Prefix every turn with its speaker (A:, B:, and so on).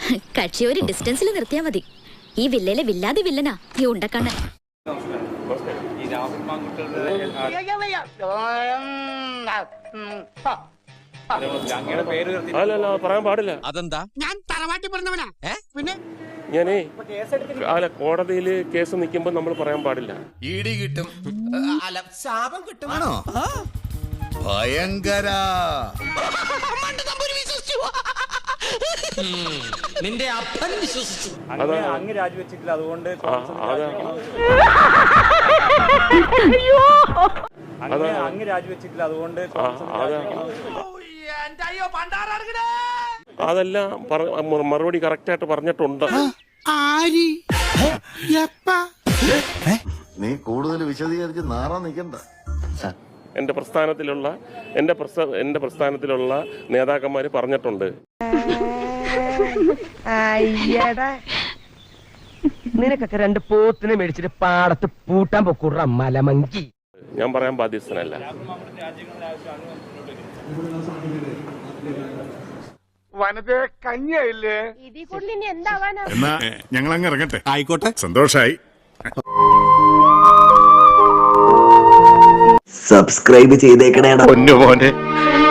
A: കക്ഷി ഒരു ഡിസ്റ്റൻസിൽ നിർത്തിയാ മതി. ഈ വില്ലയിലെ വില്ലാതെ വില്ലനാ ഈ ഉണ്ടക്കണ്ണൻ.
B: അല്ലല്ല പറയാൻ പാടില്ല.
C: അതെന്താ? ഞാൻ തറവാട്ടി പറഞ്ഞവനാ. പിന്നെ
B: ഞാനേ കോടതിയിൽ കേസ് നിൽക്കുമ്പോൾ നമ്മൾ പറയാൻ പാടില്ല.
C: ഇടി കിട്ടും, അല്ല ശാപം കിട്ടും.
D: ആണോ? ഭയങ്കര.
C: നിന്റെ അപ്പൻ വിശ്വസിച്ചു.
E: അങ്ങ് രാജിവെച്ചിട്ടില്ല, അതുകൊണ്ട് അങ്ങ് രാജിവെച്ചിട്ടില്ല, അതുകൊണ്ട്
B: അതെല്ലാം മറുപടി കറക്റ്റായിട്ട് പറഞ്ഞിട്ടുണ്ട്.
D: നീ കൂടുതൽ വിശദീകരിച്ച് നാറാൻ നിൽക്കണ്ട.
B: എന്റെ പ്രസ്ഥാനത്തിലുള്ള നേതാക്കന്മാര് പറഞ്ഞിട്ടുണ്ട്.
F: നിനക്കൊക്കെ രണ്ട് പോത്തിനെ മേടിച്ചിട്ട് പാടത്ത് പൂട്ടാൻ പൊക്കൂട മലമങ്കി.
B: ഞാൻ പറയാൻ ബാധ്യസ്ഥനല്ല.
G: എന്നാ ഞങ്ങൾ അങ്ങ് ഇറങ്ങട്ടെ. ആയിക്കോട്ടെ, സന്തോഷായി.
H: സബ്സ്ക്രൈബ് ചെയ്തേക്കണേടാ
G: പൊന്നു മോനെ.